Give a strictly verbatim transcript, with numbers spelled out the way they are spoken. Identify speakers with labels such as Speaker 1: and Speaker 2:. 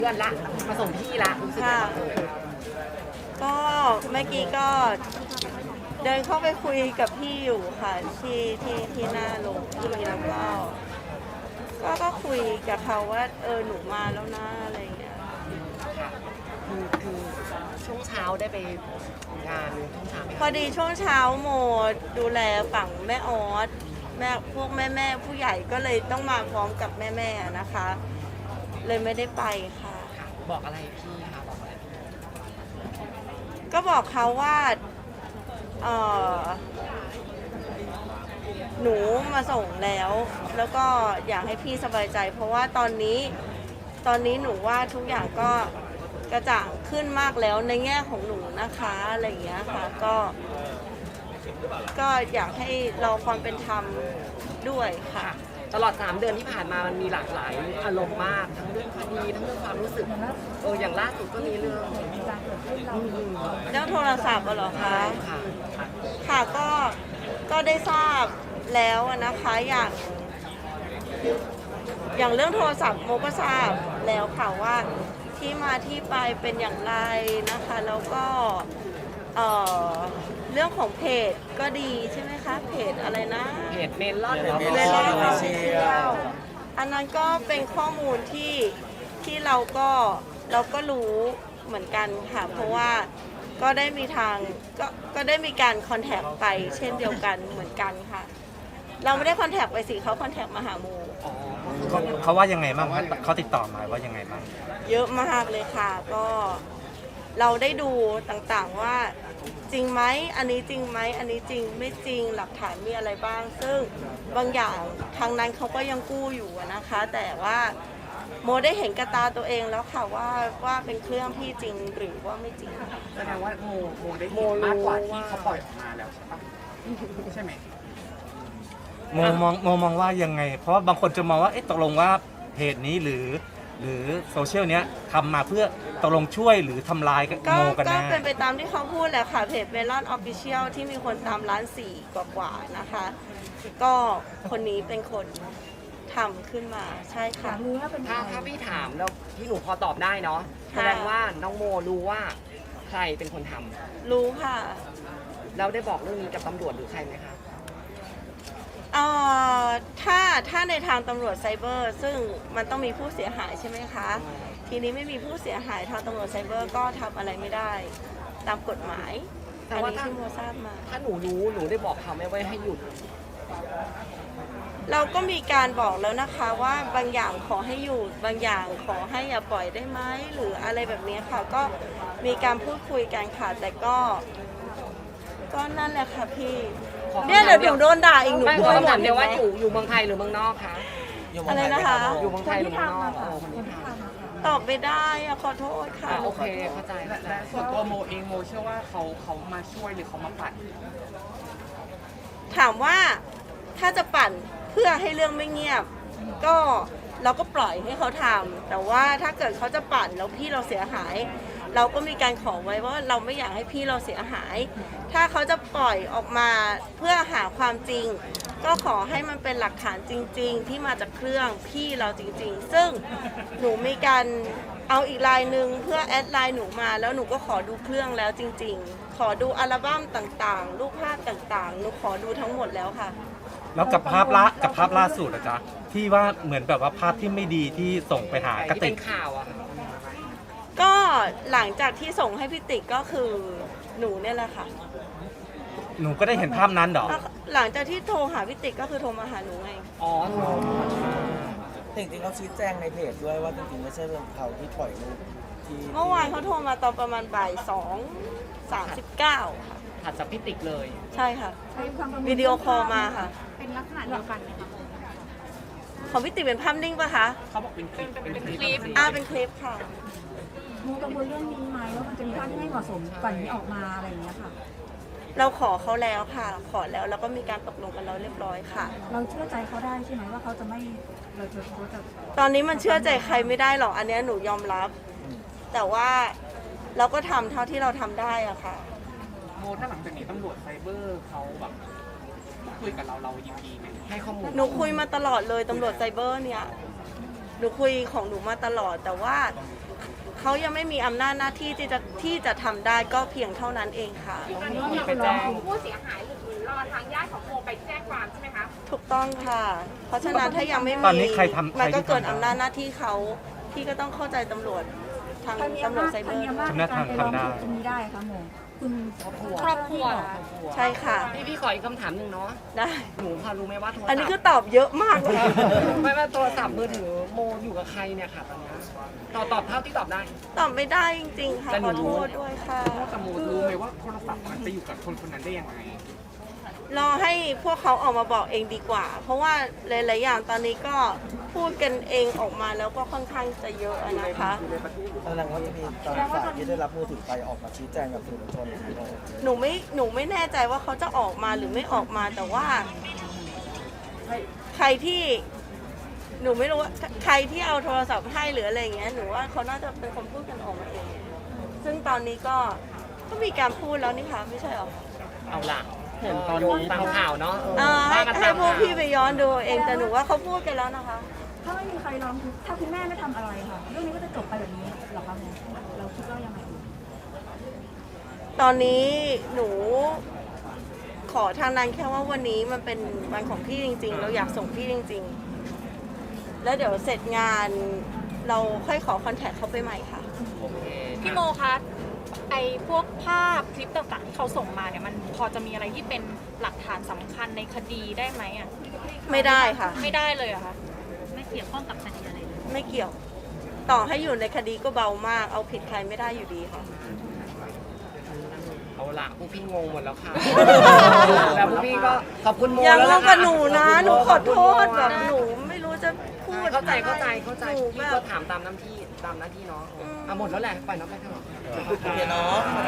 Speaker 1: เดือนละมาส่งพี่ละรู้สึก
Speaker 2: ค่ะ
Speaker 1: ยังไงบ้าง
Speaker 2: ก็เมื่อกี้ก็เดินเข้าไปคุยกับพี่อยู่ค่ะที่ที่ที่หน้าโรงพี่แล้วก็ก็ก็คุยกับเขาว่าเออหนูมาแล้วนะอะไรอย่างเงี้ย
Speaker 1: ค่ะคือคือช่วงเช้าได้ไปงานช่วงเช้าไหม
Speaker 2: พอดีช่วงเช้าโมดูแลฝั่งแม่ออสแม่พวกแม่แม่ผู้ใหญ่ก็เลยต้องมาพร้อมกับแม่แม่นะคะ เลยไม่ได้ไปค่ะ
Speaker 1: ค่ะบอกอะไรพี่คะบอกอะไรพี่
Speaker 2: ก็บอกเขาว่าเออหนูมาส่งแล้ว แล้วก็อยากให้พี่สบายใจ เพราะว่าตอนนี้ตอนนี้หนูว่าทุกอย่างก็กระจ่างขึ้นมากแล้วในแง่ของหนูนะคะอะไรอย่างเงี้ยค่ะก็ก็อยากให้รอความเป็นธรรมด้วยค่ะ
Speaker 1: ค่ะตลอดสามเดือนที่ผ่านมามันมีหลากหลายอารมณ์มากทั้งเรื่องคดีทั้งเรื่องความรู้สึกเอออย่างล่าสุดก็มีเรื่องอืม
Speaker 2: เรื่องโทรศัพท์อะเหรอคะ
Speaker 1: ค่ะ
Speaker 2: ค่ะก็ก็ได้ทราบแล้วนะคะอย่างอย่างเรื่องโทรศัพท์โมก็ทราบแล้วค่ะว่าที่มาที่ไปเป็นอย่างไรนะคะแล้วก็เอ่อเรื่องของเพจก็ดีใช่ไหมคะเพจอะไรนะ
Speaker 1: เพจเมลอน
Speaker 2: เมลอนออฟฟิเชียลอันนั้นก็เป็นข้อมูลที่ที่เราก็เราก็รู้เหมือนกันค่ะเพราะว่าก็ได้มีทางก็ก็ได้มีการคอนแทคไปเช่นเดียวกันเหมือนกันค่ะ เราไม่ได้คอนแทคไปสิเขาคอนแทคมาหาโม
Speaker 1: อ๋อ
Speaker 3: เขาเขาว่ายังไงบ้างเขาเขาติดต่อมาว่ายังไงบ้าง
Speaker 2: เยอะมากเลยค่ะก็เราได้ดูต่างๆว่าจริงไหมอันนี้จริงไหมอันนี้จริงไม่จริงหลักฐานมีอะไรบ้าง ซึ่งบางอย่างทางนั้นเขาก็ยังกู้อยู่อะนะคะ แต่ว่าโมได้เห็นกระตาตัวเองแล้วค่ะว่าว่าเป็นเครื่องพี่จริงหรือว่าไม่จริง
Speaker 4: แสดงว่าโมโมได้เห็นมากกว่าที่เขาปล่อยออกมาแล้วใช่ปะใช่ไหม
Speaker 3: โมมองโมมองว่ายังไง เพราะว่าบางคนจะมองว่าเอ๊ะตกลงว่าเพจนี้หรือหรือโซเชียลเนี้ยทำมาเพื่อตกลงช่วยหรือทำลาย
Speaker 2: ก็
Speaker 3: โมกัน
Speaker 2: ก็
Speaker 3: แน่
Speaker 2: เป็นไปตามที่เขาพูดแหละค่ะเพจเมลอนออฟฟิเชียลที่มีคนตามล้านสี่กว่าๆนะคะ ก็คนนี้เป็นคนทำขึ้นมาใช่ค่ะ
Speaker 1: ถ้าถ้าพี่ถามแล้วพี่หนูพอตอบได้เนาะ
Speaker 2: ค่ะ
Speaker 1: แสดงว่าน้องโมรู้ว่าใครเป็นคนทำ
Speaker 2: รู้ค่ะ
Speaker 1: แล้วได้บอกเรื่องนี้กับตำรวจหรือใครไหมคะ
Speaker 2: เอ่อถ้าถ้าในทางตำรวจไซเบอร์ ซึ่งมันต้องมีผู้เสียหายใช่ไหมคะ ทีนี้ไม่มีผู้เสียหายทางตำรวจไซเบอร์ก็ทำอะไรไม่ได้ตามกฎหมาย
Speaker 1: แต่
Speaker 2: อัน
Speaker 1: ว่า
Speaker 2: นี้
Speaker 1: ถ้า
Speaker 2: ที่โมทราบมา
Speaker 1: ถ้าหนูรู้หนูได้บอกเขาไหมว่าให้หยุด
Speaker 2: เราก็มีการบอกแล้วนะคะว่าบางอย่างขอให้หยุดบางอย่างขอให้อย่าปล่อยได้ไหมหรืออะไรแบบนี้ค่ะ ก็มีการพูดคุยกันค่ะแต่ก็ ก็นั่นแหละค่ะพี่
Speaker 1: ขอคำถาม
Speaker 2: เนี่ยเดี๋ยวหนูโดนด่าอีกหนู
Speaker 1: ไม่
Speaker 2: กลั
Speaker 1: ข
Speaker 2: ว
Speaker 1: อ
Speaker 2: หม
Speaker 1: คำถา
Speaker 2: ด
Speaker 1: มเดียวว่าอยู่อยู่เมืองไทยหรือเมืองนอกคะ
Speaker 2: อะไรนะคะ
Speaker 1: อยู่เมืองไทยหรือเมืองนอกเออคนที่ทำ
Speaker 2: ตอบไม่ได้อะขอโทษค่ะ
Speaker 1: อ่ะโอเคเข้าใจ
Speaker 4: และ
Speaker 1: เข้าใจ
Speaker 4: และส่วนตัวโมเองโมเชื่อว่าเขาเขามาช่วยหรือเขามาปัด
Speaker 2: ถามว่าถ้าจะปั่นเพื่อให้เรื่องไม่เงียบ ก็เราก็ปล่อยให้เขาทำแต่ว่าถ้าเกิดเขาจะปั่นแล้วพี่เราเสียหาย เราก็มีการขอไว้ว่าเราไม่อยากให้พี่เราเสียหาย ถ้าเขาจะปล่อยออกมาเพื่อหาความจริง ก็ขอให้มันเป็นหลักฐานจริง ๆ ที่มาจากเครื่องพี่เราจริง ๆ ซึ่งหนูมีการเอาอีกลายหนึ่งเพื่อแอดไลน์หนูมาแล้วหนูก็ขอดูเครื่องแล้วจริง ๆ ขอดูอัลบั้มต่างๆ รูปภาพต่างๆ หนูขอดูทั้งหมดแล้วค่ะ
Speaker 3: แล้วกับภาพละกับภาพล่าสุดอะจ๊ะที่ว่าเหมือนแบบว่าภาพที่ไม่ดีที่ส่งไปหากระ
Speaker 1: ที่
Speaker 3: ติ
Speaker 1: เป็
Speaker 3: ก
Speaker 1: นข่าวอะค่ะ
Speaker 2: ก็หลังจากที่ส่งให้พี่ติ๊กก็คือหนูเนี่ยแหละค่ะ
Speaker 3: หนูก็ได้เห็นภาพนั้นเหรอ
Speaker 2: หลังจากที่โทรหาพี่ติ๊กก็คือโทรมาหาหนูไง
Speaker 1: อ๋อโทร
Speaker 5: จริงๆเขาชี้แจงในเพจด้วยว่าจริงๆไม่ใช่เรื่องเขาที่ปล่อยรูปที่
Speaker 2: เมื่อวานเขาโทรมาตอนประมาณบ่ายสองสามสิบเก้าค่ะ
Speaker 1: ถัดจากพี่ติ๊กเลย
Speaker 2: ใช่ค่ะ วิดีโอคอลมาค่ะ
Speaker 6: เป็นลักษณะเดียวกันไหมคะ
Speaker 2: ของพี่ติ๊กเป็นภาพนิ่งปะคะ
Speaker 4: เขาบอกเป็นคลิปเป็นคลิป
Speaker 2: อ่าเป็นคลิปค่ะ
Speaker 6: โมกังวลเรื่องนี้ไหมว่ามันจะมีภาพที่ไม่เหมาะสมก่อนนี้ออกมาอะไรอย่างเงี้ยค่ะ
Speaker 2: เราขอเขาแล้วค่ะ ขอแล้วแล้วก็มีการตกลงกันแล้วเรียบร้อยค่ะ
Speaker 6: เราเชื่อใจเขาได้ใช่ไหมว่าเขาจะไม่เราจะเขาจะ
Speaker 2: ตอนนี้มันเชื่อใจใครไม่ได้หรอกอันเนี้ยหนูยอมรับ แต่ว่าเราก็ทำเท่าที่เราทำได้อะค่ะ
Speaker 4: โมถ้าหลังจากนี้ตำรวจไซเบอร์เขาแบบคุยกับเราเรายินดีไหม
Speaker 1: ให้ข้อมูล
Speaker 2: หนูคุยมาตลอดเลยตำรวจไซเบอร์เนี่ย หนูคุยของหนูมาตลอด แต่ว่าเขายังไม่มีอำนาจหน้าที่ที่จะที่จะทำได้ก็เพียงเท่านั้นเองค่ะ
Speaker 6: ตอนนี้มีไปแจ้ง
Speaker 7: ผู้เสียหายหรือรอทางญาติของโมไปแจ้งความใช่ไหมคะ
Speaker 2: ถูกต้องค่ะ เพราะฉะนั้นถ้ายังไม่มี
Speaker 3: ตอนนี้ใครทำ
Speaker 2: มันก็
Speaker 3: ใครที่ทำ
Speaker 2: เกินอำนาจหน้าที่เขาพี่ก็ต้องเข้าใจตำรวจทาง
Speaker 6: ใครมี
Speaker 2: ตำรวจ
Speaker 6: อำนาจ
Speaker 2: ไซ
Speaker 6: ใค
Speaker 2: เบ
Speaker 6: ร
Speaker 2: อ
Speaker 6: มี
Speaker 2: ร์
Speaker 6: อำนาจในการไปร้องทุกข์ตรงนี้ได้คะโมคุณครอบครัว
Speaker 7: ครอบครัว
Speaker 2: ใช่ค่ะ
Speaker 1: พี่พี่ขออีกคำถามหนึ่งเนาะ
Speaker 2: ได้
Speaker 1: หนูพอรู้ไหมว่าโทรศัพท์
Speaker 2: อันนี้คือตอบเยอะมากเลย
Speaker 1: ไม่ว่าโทรศัพท์มือถือโมอยู่กับใครเนี่ยค่ะตอนเนี้ยตอบตอบเท่าที่ตอบได้
Speaker 2: ตอบไม่ได้จริงๆค่ะ
Speaker 1: แต่ห
Speaker 2: ข
Speaker 1: นู
Speaker 2: อโทษด้วยค่ะ
Speaker 4: แต่โมรู้ไหมว่าโทรศัพท์มันไปอยู่กับคนคนนั้นได้ยังไง
Speaker 2: รอให้พวกเขาออกมาบอกเองดีกว่า เพราะว่าหลายๆอย่างตอนนี้ก็พูดกันเองออกมาแล้วก็ค่อนข้างจะเยอะนะคะ
Speaker 5: แสดงว่าจะมีตอนฝ่ายที่ได้รับมือถือไปออกมาชี้แจงกับสื่อมวลชนอีกทีหนึ่ง
Speaker 2: หนูไม่หนูไม่แน่ใจว่าเขาจะออกมาหรือไม่ออกมาแต่ว่า ใครที่หนูไม่รู้ว่าใครที่เอาโทรศัพท์ให้หรืออะไรอย่างเงี้ยหนูว่าเขาน่าจะเป็นคนพูดกันออกมาเอง ซึ่งตอนนี้ก็ก็มีการพูดแล้วนี่คะไม่ใช่หรอ
Speaker 1: เอาล่ะเห็นตอนนี้ตามข่าวเนาะ
Speaker 2: อ่าให้
Speaker 1: ว่ากัน
Speaker 2: ให้
Speaker 1: ตาม
Speaker 2: พวก
Speaker 1: ข่าว
Speaker 2: พี่ไปย้อนดูเองแต่หนูว่าเขาพูดกันแล้วนะคะ
Speaker 6: ถ้าไม่มีใครร้องทุกข์ถ้าคุณแม่ไม่ทำอะไรค่ะ เรื่องนี้ก็จะจบไปแบบนี้เหรอคะโมเราคิดว่ายังไง
Speaker 2: ตอนนี้หนูขอทางนั้นแค่ว่าวันนี้มันเป็นวันของพี่จริง ๆ เราอยากส่งพี่จริง ๆ แล้วเดี๋ยวเสร็จงานเราค่อยขอคอนแทคเขาไปใหม่ค่ะ
Speaker 1: โอเค
Speaker 7: พี่โมคะไอพวกภาพคลิปต่างๆที่เขาส่งมาเนี่ยมันพอจะมีอะไรที่เป็นหลักฐานสำคัญในคดีได้ไหมอ่ะ
Speaker 2: ไม่ได้ค่ะ
Speaker 7: ไม่ได้เลยเหรอะคะไม่เกี่ยวข้องกับคดีอะไรเลย
Speaker 2: ไม่เกี่ยว ต่อให้อยู่ในคดีก็เบามาก เอาผิดใครไม่ได้อยู่ดีค่ะ
Speaker 1: เอาล่ะพวกพี่งงหมดแล้วค่ะ แล้วพวกพี่ก็ขอบคุณโม
Speaker 2: อย่าง
Speaker 1: แล้ว
Speaker 2: ง
Speaker 1: ล่
Speaker 2: งกับหนูนะ
Speaker 1: ข
Speaker 2: หนู
Speaker 1: บ
Speaker 2: ข
Speaker 1: คุ
Speaker 2: อ
Speaker 1: ณ
Speaker 2: โท
Speaker 1: โม
Speaker 2: ษแบบหนูไม่รู้จะพูด
Speaker 1: เข้าใจเข้าใจเข้าใจ
Speaker 2: หนู
Speaker 1: พี่
Speaker 2: แบ
Speaker 1: ก็
Speaker 2: บ
Speaker 1: ถามตามหน้าที่ตามหน้าที่เนาะ
Speaker 2: อืม
Speaker 1: เอาหมดแล้วแหละปล่อยน้องไปเถอะ
Speaker 5: โอเคเนาะ